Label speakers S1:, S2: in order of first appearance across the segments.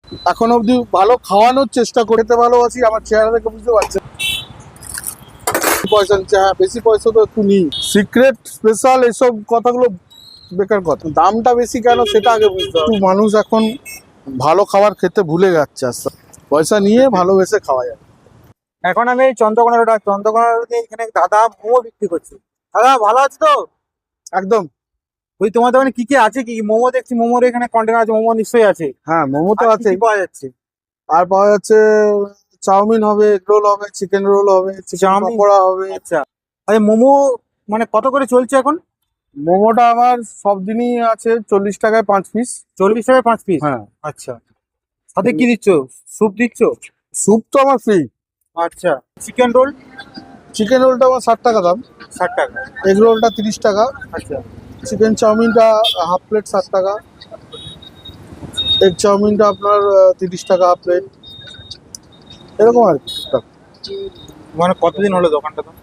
S1: এখন অবধি ভালো খাওয়ানোর চেষ্টা করতে ভালোবাসি, আমার চেহারা দেখে বুঝতে পারছেন। পয়সা নিচ্ছে, হ্যাঁ বেশি পয়সা তো একটু নিই। সিক্রেট স্পেশাল এসব কথাগুলো বেকার কথা, দামটা বেশি কেন সেটা আগে বুঝতে হবে। মানুষ এখন ভালো খাবার খেতে ভুলে যাচ্ছে, আস্তে আস্তে। পয়সা নিয়ে ভালোবেসে খাওয়া যায়।
S2: এখন আমি এই চন্দ্রকোনা রোডে এখানে দাদা মোমো বিক্রি করছি। দাদা ভালো আছে তো?
S1: একদম।
S2: ওই তোমার দোকানে কি কি আছে? কি কি মোমো দেখছি, মোমোর এখানে কন্টেনার আছে, মোমো নিশ্চয়ই আছে।
S1: হ্যাঁ মোমো তো
S2: আর কি
S1: আছে,
S2: কি পাওয়া যাচ্ছে?
S1: আর পাওয়া যাচ্ছে চাউমিন হবে, এগ রোল হবে, চিকেন রোল হবে, চিকেন
S2: চাউমিন?
S1: পকোড়া হবে।
S2: আচ্ছা, আরে মোমো মানে কত করে চলছে এখন?
S1: মোমোটা আমার সব দিনই আছে 40 টাকায় 5 পিস।
S2: 40 টাকায় 5 পিস?
S1: হ্যাঁ।
S2: আচ্ছা, সাথে কি দিচ্ছ? স্যুপ দিচ্ছ?
S1: স্যুপ তো আমার ফ্রি।
S2: আচ্ছা, চিকেন রোল?
S1: চিকেন রোলটা আমার 60 টাকা দাম।
S2: 60 টাকা?
S1: এগ রোলটা 30 টাকা।
S2: আচ্ছা।
S1: চিকেন চাউমিনটা হাফ প্লেট 60 টাকা। এগ চাউমিনটা আপনার 30 টাকা হাফ প্লেট, এরকম আর কি টুকটাক।
S2: মানে কতদিন হলো দোকানটা তো?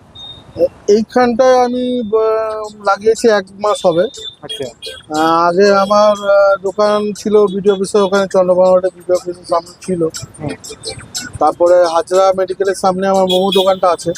S1: এইখানটায় আমি লাগিয়েছি 1 মাস হবে।
S2: আচ্ছা।
S1: আগে আমার দোকান ছিল বিডিও অফিসে, ওখানে চন্দ্রকোনা রোডে বিডিও অফিসের সামনে ছিল।
S2: হুম।
S1: তারপরে হাজরা মেডিকেলের সামনে আমার মোমো দোকানটা আছে।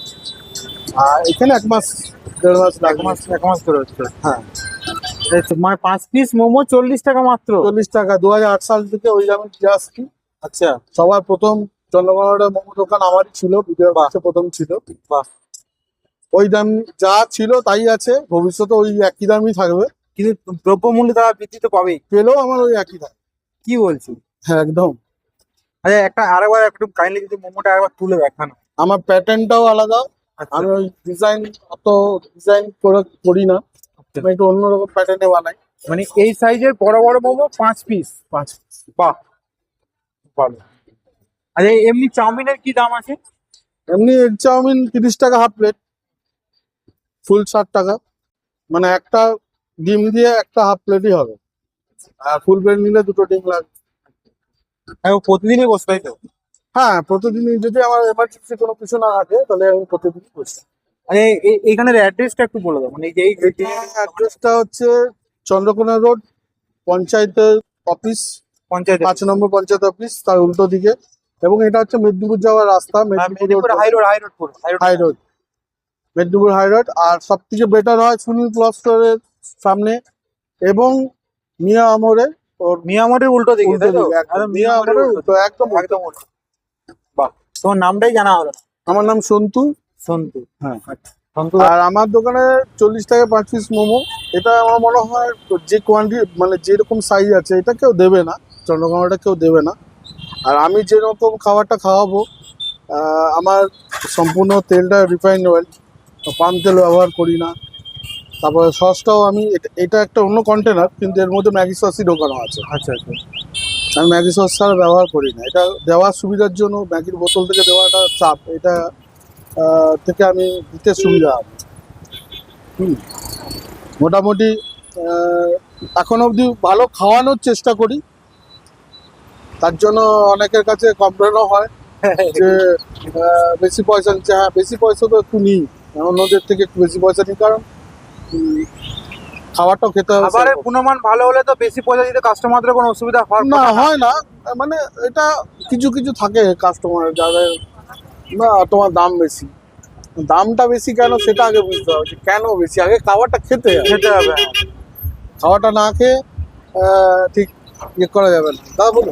S1: আর এখানে 1 মাস 1.5 মাস
S2: এক
S1: লাগে।
S2: মাস, 1 মাস করে হচ্ছে।
S1: হ্যাঁ।
S2: এই তো, মানে 5 পিস মোমো 40 টাকা মাত্র?
S1: 40 টাকা 2008 সাল থেকে ওই দামে দিয়ে আসছি।
S2: আচ্ছা।
S1: সবার প্রথম চন্দ্রকোনা রোডে মোমো দোকান আমারই ছিল, বিডিও অফিসে প্রথম ছিল।
S2: বাহ।
S1: ওই দাম যা ছিল তাই আছে, ভবিষ্যতে ওই একই দামই থাকবে।
S2: কিন্তু দ্রব্যমূল্য তারা বৃদ্ধি তো পাবেই।
S1: পেলেও আমার ওই একই দাম।
S2: কি বলছি?
S1: হ্যাঁ একদম।
S2: আচ্ছা, আরেকবার একটু কাইন্ডলি যদি মোমোটা একবার তুলে দেখানো।
S1: আমার প্যাটার্নটাও আলাদা।
S2: আচ্ছা।
S1: আমি ওই অত ডিজাইন করে করি না,
S2: আচ্ছা।
S1: আমি একটু অন্যরকম প্যাটার্নে বানাই।
S2: মানে এই সাইজের বড় বড় মোমো 5 পিস?
S1: 5 পিস।
S2: বাহ, ভালো। আচ্ছা, এমনি চাউমিনের কি দাম আছে?
S1: এমনি এগ চাউমিন 30 টাকা হাফ প্লেট, ফুল 60 টাকা। মানে একটা ডিম দিয়ে একটা হাফ প্লেটই হবে, আর ফুল প্লেট নিলে 2টো ডিম লাগবে।
S2: প্রতিদিনই বসে, তাই তো?
S1: হ্যাঁ প্রতিদিনই, যদি আমার এমার্জেন্সি কোনো কিছু না থাকে তাহলে আমি প্রতিদিনই বসি।
S2: আরে এইখানের অ্যাড্রেসটা একটু বলে দাও, মানে এই
S1: অ্যাড্রেসটা হচ্ছে চন্দ্রকোনা রোড, পঞ্চায়েতের office,
S2: panchayat
S1: 5 number panchayat office, তার উল্টো দিকে। এবং এটা হচ্ছে মেদিনীপুর যাওয়ার রাস্তা, Medinipur
S2: high road,
S1: high road, Medinipur high road. আর সব থেকে বেটার হয় সুনীল ক্লথ স্টোরের সামনে এবং মিয়া আমরে, ওর
S2: মিয়ামরের উল্টো দিকে,
S1: উল্টো
S2: তাই তো?
S1: দিকে একদম।
S2: একদম
S1: মিয়া
S2: মিয়ামরের
S1: আমরের
S2: উল্টো
S1: উল্টো, একদম উল্টো।
S2: একদম উল্টো। বাহ, তোমার নামটাই জানা হলো না।
S1: আমার নাম সন্তু।
S2: সন্তু?
S1: হ্যাঁ।
S2: আচ্ছা, সন্তু।
S1: আর আমার দোকানে 40 টাকায় 5 পিস মোমো। এটা আমার মনে হয় যে কোয়ান্টিটি, মানে যেরকম সাইজ আছে, এটা কেউ দেবে না, চন্দ্রকোনাটা কেউ দেবে না। আর আমি যেরকম খাবারটা খাওয়াবো, আমার সম্পূর্ণ তেলটা রিফাইন্ড অয়েল, পাম তেল ব্যবহার করি না। তারপরে সসটাও আমি এটা একটা অন্য কন্টেনার, কিন্তু এর মধ্যে ম্যাগি সসই ঢোকানো আছে।
S2: আচ্ছা আচ্ছা।
S1: আমি ম্যাগি সস ছাড়া ব্যবহার করি না, এটা দেওয়ার সুবিধার জন্য। ম্যাগির বোতল থেকে দেওয়াটা চাপ, এটা থেকে আমি দিতে সুবিধা হবে। মোটামুটি এখন অবধি ভালো খাওয়ানোর চেষ্টা করি, তার জন্য অনেকের কাছে কমপ্লেনও হয় যে বেশি পয়সা নিচ্ছে। হ্যাঁ বেশি পয়সা তো একটু নিই, অন্যদের থেকে একটু বেশি পয়সা নিই, কারণ খাবারটাও খেতে হবে।
S2: খাবারের গুণমান ভালো হলে তো বেশি পয়সা দিতে কাস্টমারদের কোনো অসুবিধা হওয়ার
S1: না,
S2: কথা না।
S1: হয় না। মানে এটা কিছু কিছু থাকে কাস্টমার যাদের না, তোমার দাম বেশি, দামটা বেশি কেন সেটা আগে বুঝতে হবে, যে কেন বেশি। আগে খাবারটা খেতে হবে,
S2: খেতে হবে।
S1: খাওয়াটা না খেয়ে ঠিক ইয়ে করা যাবে না। দাদা বলুন।